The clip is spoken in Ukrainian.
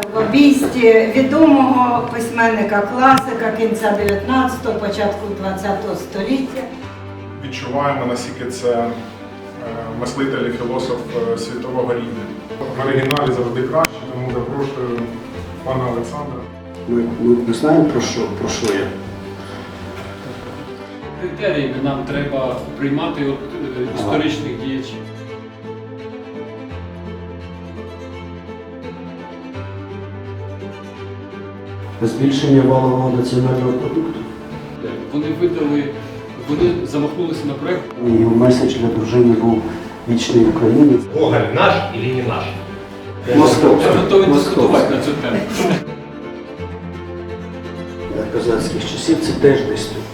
в обійсті відомого письменника класика кінця 19-го, початку 20-го століття. Відчуваємо, наскільки це мислитель і філософ світового рівня. В оригіналі завжди краще, тому запрошую пана Олександра. Ми знаємо, про що я. Критеріями нам треба приймати історичних діячів. Збільшення валового національного продукту. Вони замахнулися на проєкт. Його меседж для дружини був «Вічний українець». Гоголь наш или не наш? Московський. Я готовий дискутувати на цю тему. Козацьких часів це теж десь тут.